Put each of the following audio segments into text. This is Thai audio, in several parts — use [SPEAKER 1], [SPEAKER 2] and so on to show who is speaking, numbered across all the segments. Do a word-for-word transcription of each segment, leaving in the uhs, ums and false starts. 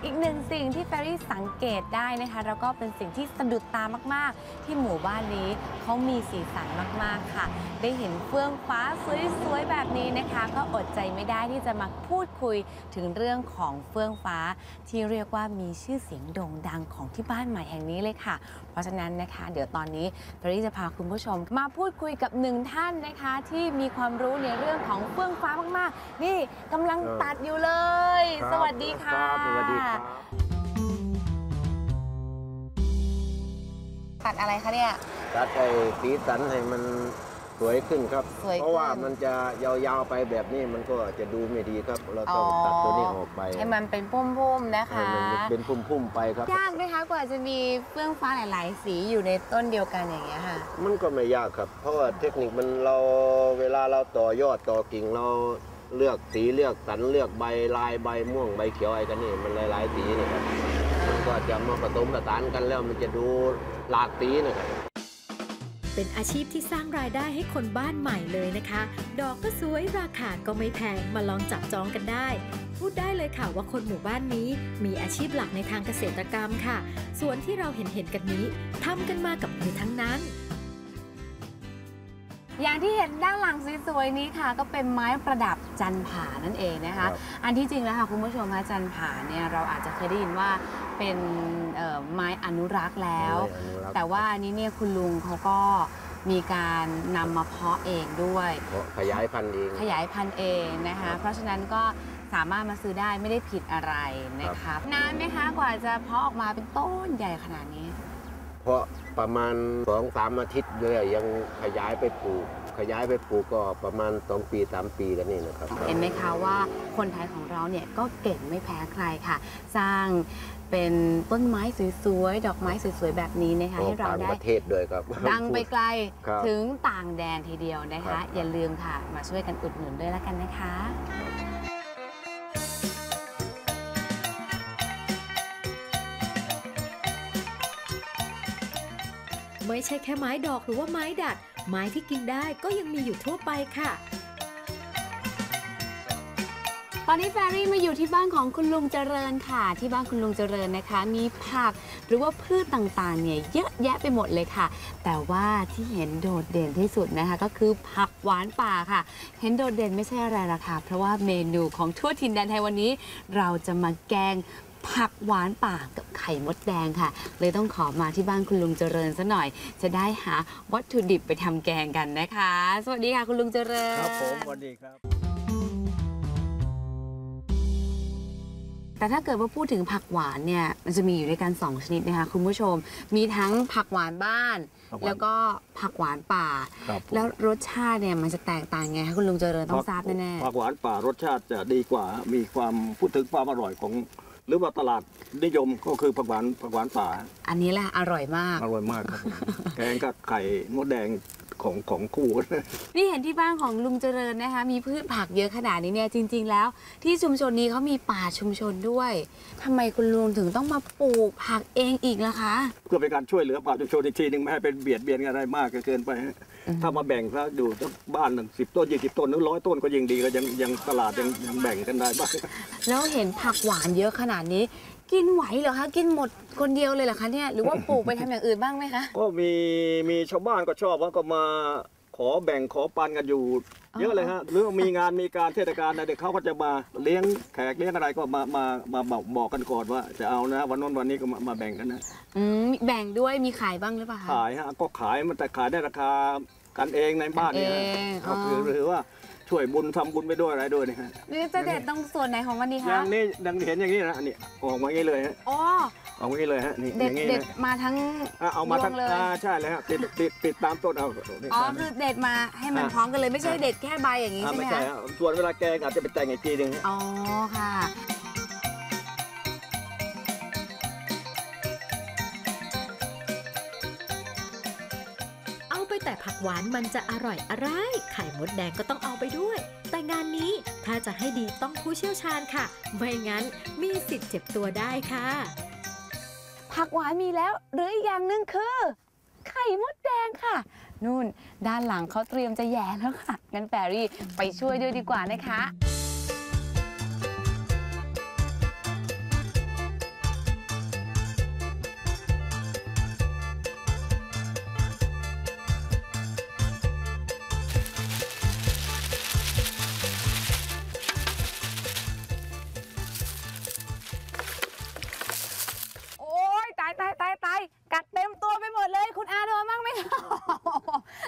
[SPEAKER 1] อีกหนึ่งสิ่งที่แฟรี่สังเกตได้นะคะแล้วก็เป็นสิ่งที่สะดุดตามากๆที่หมู่บ้านนี้เขามีสีสันมากๆค่ะได้เห็นเฟื่องฟ้าสวยๆแบบนี้นะคะก็อดใจไม่ได้ที่จะมาพูดคุยถึงเรื่องของเฟื่องฟ้าที่เรียกว่ามีชื่อเสียงโด่งดังของที่บ้านใหม่แห่งนี้เลยค่ะเพราะฉะนั้นนะคะเดี๋ยวตอนนี้แฟรี่จะพาคุณผู้ชมมาพูดคุยกับหนึ่งท่านนะคะที่มีความรู้ในเรื่องของเฟื่องฟ้ามากๆนี่กำลังตัดอยู่เลยสวัสดีค่ะ
[SPEAKER 2] สวัสดีครับ
[SPEAKER 1] ตัดอะไรคะเนี่ย
[SPEAKER 2] ตัดไอ้สีสันให้มันสวยขึ้นครับเพราะว่ามันจะยาวๆไปแบบนี้มันก็จะดูไม่ดีครับเราต้องตัดตัวนี้ออกไป
[SPEAKER 1] ให้มันเป็นพุ่มๆนะคะ
[SPEAKER 2] เป็นพุ่มๆไปครับ
[SPEAKER 1] ยากไหมคะกว่าจะมีเฟื่องฟ้าหลายๆสีอยู่ในต้นเดียวกันอย่างเงี้ยค่ะ
[SPEAKER 2] มันก็ไม่ยากครับเพราะว่าเทคนิคมันเราเวลาเราต่อยอดต่อกิ่งเราเลือกสีเลือกสันเลือกใบลายใบม่วงใบเขียวอะไรกันนี่มันหลายๆสีนะครับมันก็จะมาผสมผสานกันแล้วมันจะดูหลากสีนะครับ
[SPEAKER 3] เป็นอาชีพที่สร้างรายได้ให้คนบ้านใหม่เลยนะคะดอกก็สวยราคาก็ไม่แพงมาลองจับจองกันได้พูดได้เลยค่ะว่าคนหมู่บ้านนี้มีอาชีพหลักในทางเกษตรกรรมค่ะส่วนที่เราเห็นเห็นกันนี้ทำกันมากับมือทั้งนั้น
[SPEAKER 1] อย่างที่เห็นด้านหลังสวยๆนี้ค่ะก็เป็นไม้ประดับจันผานั่นเองนะคะอันที่จริงแล้วค่ะคุณผู้ชมคะจันผาเนี่ยเราอาจจะเคยได้ยินว่าเป็นไม้อนุรักษ์แล้วแต่ว่าอันนี้เนี่ยคุณลุงเขาก็มีการนำมาเพาะเองด้วย
[SPEAKER 2] ขยายพันธุ์เอง
[SPEAKER 1] ขยายพันธุ์เองนะคะเพราะฉะนั้นก็สามารถมาซื้อได้ไม่ได้ผิดอะไรนะคะนานไหมคะกว่าจะเพาะออกมาเป็นต้นใหญ่ขนาดนี้
[SPEAKER 2] เพราะประมาณสองสามอาทิตย์เลยยังขยายไปปลูกขยายไปปลูกก็ประมาณสองปีสามปีกันนี่นะครับ
[SPEAKER 1] เห็นไหมคะว่าคนไทยของเราเนี่ยก็เก่งไม่แพ้ใครค่ะสร้างเป็นต้นไม้สวยๆดอกไม้สวยๆแบบนี้นะคะให้เราได้
[SPEAKER 2] ประเทศด้วยครับ
[SPEAKER 1] ดังไปไกลถึงต่างแดนทีเดียวนะคะอย่าลืมค่ะมาช่วยกันอุดหนุนด้วยแล้วกันนะคะ
[SPEAKER 3] ไม่ใช่แค่ไม้ดอกหรือว่าไม้ดัดไม้ที่กินได้ก็ยังมีอยู่ทั่วไปค่ะ
[SPEAKER 1] ตอนนี้แฟรี่มาอยู่ที่บ้านของคุณลุงเจริญค่ะที่บ้านคุณลุงเจริญนะคะมีผักหรือว่าพืชต่างๆเนี่ยเยอะแยะไปหมดเลยค่ะแต่ว่าที่เห็นโดดเด่นที่สุดนะคะก็คือผักหวานป่าค่ะเห็นโดดเด่นไม่ใช่อะไรล่ะค่ะเพราะว่าเมนูของทั่วถิ่นแดนไทยวันนี้เราจะมาแกงผักหวานป่ากับไข่มดแดงค่ะเลยต้องขอมาที่บ้านคุณลุงเจริญซะหน่อยจะได้หาวัตถุดิบไปทำแกงกันนะคะสวัสดีค่ะคุณลุงเจริญ
[SPEAKER 4] ครับผมสวัสดีครับ
[SPEAKER 1] แต่ถ้าเกิดว่าพูดถึงผักหวานเนี่ยมันจะมีอยู่ด้วยกันสองชนิดนะคะคุณผู้ชมมีทั้งผักหวานบ้านแล้วก็ผักหวานป่าแล้วรสชาติเนี่ยมันจะแตกต่างไงคะคุณลุงเจริญต้องทราบแน่
[SPEAKER 4] ๆผักหวานป่ารสชาติจะดีกว่ามีความพูดถึงความอร่อยของหรือว่าตลาดนิยมก็คือผักหวานผักหวานป่า
[SPEAKER 1] อันนี้แหละอร่อยมาก
[SPEAKER 4] อร่อยมากครับแกงกับไข่มดแดงของของคู่
[SPEAKER 1] นี่เห็นที่บ้านของลุงเจริญนะคะมีพืชผักเยอะขนาดนี้เนี่ยจริงๆแล้วที่ชุมชนนี้เขามีป่าชุมชนด้วยทำไมคุณลุงถึงต้องมาปลูกผักเองอีกล่ะคะ
[SPEAKER 4] เพื่อเป็นการช่วยเหลือป่าชุมชนอีกทีหนึ่งไม่ให้เป็นเบียดเบียนอะไรมากเกินไปถ้ามาแบ่งซะอยู่บ้านหนึ่งสิบต้นยี่สิบต้นหรือร้อยต้นก็ยิ่งดีก็ยังยังตลาดยังยังแบ่งกันได้บ้าง
[SPEAKER 1] แล้วเห็นผักหวานเยอะขนาดนี้กินไหวเหรอคะกินหมดคนเดียวเลยเหรอคะเนี่ยหรือว่าปลูกไปทำอย่างอื่นบ้างไหมคะ
[SPEAKER 4] ก็มีมีชาวบ้านก็ชอบว่าก็มาขอแบ่งขอปันกันอยู่เยอะเลยฮะหรือมีงานมีการเทศกาลอะไรเด็กเขาก็จะมาเลี้ยงแขกเลี้ยงอะไรก็มามามาบอกบอกกันก่อนว่าจะเอานะวันนู้นวันนี้ก็มามาแบ่งกันนะ
[SPEAKER 1] อืมแบ่งด้วยมีขายบ้างหรือเปล่า
[SPEAKER 4] ขายฮะก็ขายมันแต่ขายได้ราคากันเองในบ้านเนี่ยก็คือหรือว่าช่วยบุญทำบุญไปด้วยอะไรด้วยนะฮะ
[SPEAKER 1] นี่จะเด็ดตรงส่วนไหนของวันนี้คะ
[SPEAKER 4] อย่างนี้ดังเห็นอย่างนี้นะนี่ออกมาอย่างนี้เลยฮะ
[SPEAKER 1] อ๋อ
[SPEAKER 4] ออกมาอย่างนี้เลยฮะนี่
[SPEAKER 1] อย่างนี้เด็ดมาทั้ง
[SPEAKER 4] เอามาทั้งใช่เลยฮะติดติดติดตามต้นเอา
[SPEAKER 1] อ๋อคือเด็ดมาให้มันพร้อมกันเลยไม่ใช่เด็ดแค่ใบอย่างนี้ใช่ไหมคะไม่ใช่
[SPEAKER 4] ส่วนเวลาแกงอาจจะไปแต่งอีกทีหนึ่ง
[SPEAKER 1] อ๋อค่ะ
[SPEAKER 3] แต่ผักหวานมันจะอร่อยอะไรไข่มดแดงก็ต้องเอาไปด้วยแต่งานนี้ถ้าจะให้ดีต้องผู้เชี่ยวชาญค่ะไม่งั้นมีสิทธิ์เจ็บตัวได้ค่ะ
[SPEAKER 1] ผักหวานมีแล้วหรืออีกอย่างหนึ่งคือไข่มดแดงค่ะนู่นด้านหลังเขาเตรียมจะแย่แล้วค่ะงั้นแฟรี่ไปช่วยด้วยดีกว่านะคะ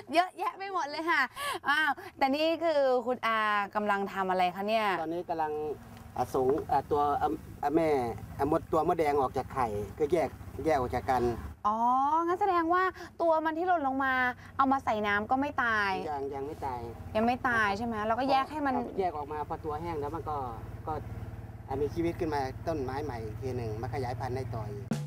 [SPEAKER 1] เยอะแยะไปหมดเลยค่ะอ้าวแต่นี่คือคุณอากำลังทำอะไรคะเนี่ย
[SPEAKER 5] ตอนนี้กำลังอ่ะสงอ่ะตัวอ่ะอ่ะแม่อ่ะมดตัวมดแดงออกจากไข่ก็แยกแยกออกจากกัน
[SPEAKER 1] อ๋อ งั้นแสดงว่าตัวมันที่หล่นลงมา เอามาใส่น้ำก็ไม่ตาย
[SPEAKER 5] ยังยังไม่ตาย
[SPEAKER 1] ยังไม่ตายใช่ไหมเราก็แยกให้มัน
[SPEAKER 5] แยกออกมาพอตัวแห้งแล้วมันก็ก็อ่ะมีชีวิตขึ้นมาต้นไม้ใหม่อีกทีหนึ่งมาขยายพันธุ์ได้ต่ออีก